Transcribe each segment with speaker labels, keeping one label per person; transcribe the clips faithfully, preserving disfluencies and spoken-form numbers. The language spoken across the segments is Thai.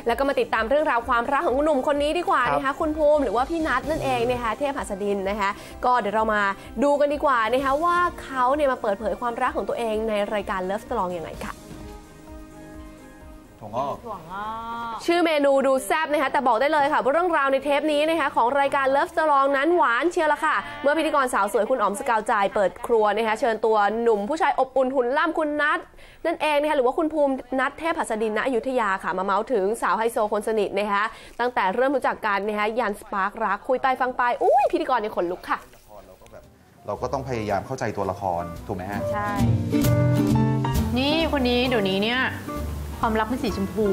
Speaker 1: แล้วก็มาติดตามเรื่องราวความรักของหนุ่มคนนี้ดีกว่านะคะคุณภูมิหรือว่าพี่นัทนั่นเองนะคะเทพหัสดินนะคะก็เดี๋ยวเรามาดูกันดีกว่านะคะว่าเขาเนี่ยมาเปิดเผยความรักของตัวเองในรายการ Love Strong ยังไงค่ะชื่อเมนูดูแซ่บนะคะแต่บอกได้เลยค่ะว่าเรื่องราวในเทปนี้นะคะของรายการ Love Strong นั้นหวานเชียวละค่ะเมื่อพิธีกรสาวสวยคุณอ๋อมสกาวใจเปิดครัวนะคะเชิญตัวหนุ่มผู้ชายอบอุ่นหุ่นล่ำคุณนัทนั่นเองนะคะหรือว่าคุณภูมินัทเทพหัสดินณอยุธยาค่ะมาเมาส์ถึงสาวไฮโซคนสนิทนะคะตั้งแต่เริ่มรู้จักกันนะคะยันสปาร์ครักคุยไปฟังไปอุ้ยพิธีกรเนี่ยขนลุกค่ะ
Speaker 2: เราก็ต้องพยายามเข้าใจตัวละครถูกไหมฮะ
Speaker 3: ใช่นี่คนนี้เดี๋ยวนี้เนี่ยความรักเป็นสีชมพู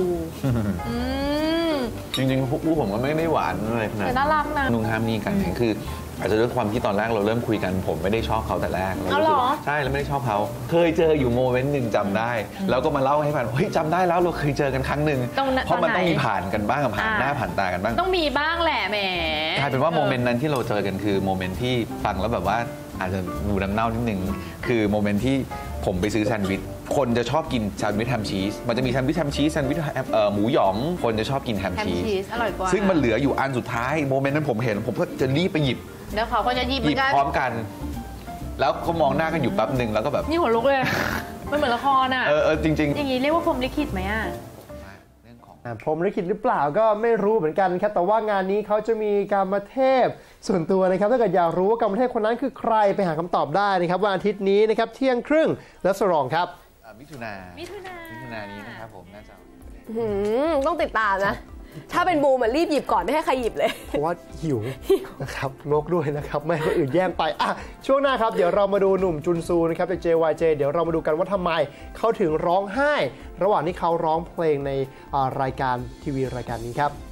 Speaker 4: จริงๆผู้ผมก็ไม่ได้หวานอะไรขนาดนั้น
Speaker 3: น่ารักนะ
Speaker 4: นุ่งห้ามนี่กันคืออาจจะด้วยความที่ตอนแรกเราเริ่มคุยกันผมไม่ได้ชอบเขาแต่แรก
Speaker 3: เรารู้สึก
Speaker 4: ใช่แล้วไม่ได้ชอบเขาเคยเจออยู่โมเมนต์หนึ่งจำได้แล้วก็มาเล่าให้ฟังเฮ้ยจำได้แล้วเราเคยเจอกันครั้งหนึ่งเพราะมันต้องมีผ่านกันบ้างผ่านหน้าผ่านตากันบ้าง
Speaker 3: ต้องมีบ้างแหละแหม
Speaker 4: กลายเป็นว่าโมเมนต์นั้นที่เราเจอกันคือโมเมนต์ที่ฟังแล้วแบบว่าอาจจะดูน้ำเน่านิดนึงคือโมเมนต์ที่ผมไปซื้อแซนด์วิชคนจะชอบกินแซนด์วิชแฮมชีสมันจะมีแซนด์วิชแฮมชีสแซนด์วิชหมูหยองคนจะชอบกินแฮมชีส
Speaker 3: อร่อยกว่า
Speaker 4: ซึ่งมันเหลืออยู่อันสุดท้ายโมเมนต์นั้นผมเห็นผมก็จะรีบไปหยิบ
Speaker 3: แล้วเขาก็จะหยิบ
Speaker 4: พร้อมกันแล้วก็มองหน้ากันอยู่แป๊บหนึ่งแล้วก็แบบ
Speaker 3: นี่หัวลุกเลยมันเหมือนละครอ่ะ
Speaker 4: เออจริงๆ
Speaker 3: อย่างนี้เรียกว่าพรหมลิขิตไหมอ่ะ
Speaker 5: พรหมลิขิตหรือเปล่าก็ไม่รู้เหมือนกันครับแต่ว่างานนี้เขาจะมีกรรมเทพส่วนตัวนะครับถ้าเกิดอยากรู้ว่ากรรมเทพคนนั้นคือใครไปหาคำตอบได้นะครับวันอาทิตย์นี้นะครับเที่ยงครึ่งและสรองครับ
Speaker 4: มิถุนา
Speaker 3: มิถุนา
Speaker 4: มิถุนานี้นะครับผมน่าจะ
Speaker 1: ต้องติดตามนะถ้าเป็นบูมรีบหยิบก่อนไม่ให้ใครหยิบเลย
Speaker 5: เพราะว่าหิวนะครับงกด้วยนะครับไม่ให้คนอื่นแย่งไปอ่ะช่วงหน้าครับเดี๋ยวเรามาดูหนุ่มจุนซูนะครับจาก เจ วาย เจ เดี๋ยวเรามาดูกันว่าทำไมเขาถึงร้องไห้ระหว่างที่เขาร้องเพลงในรายการทีวีรายการนี้ครับ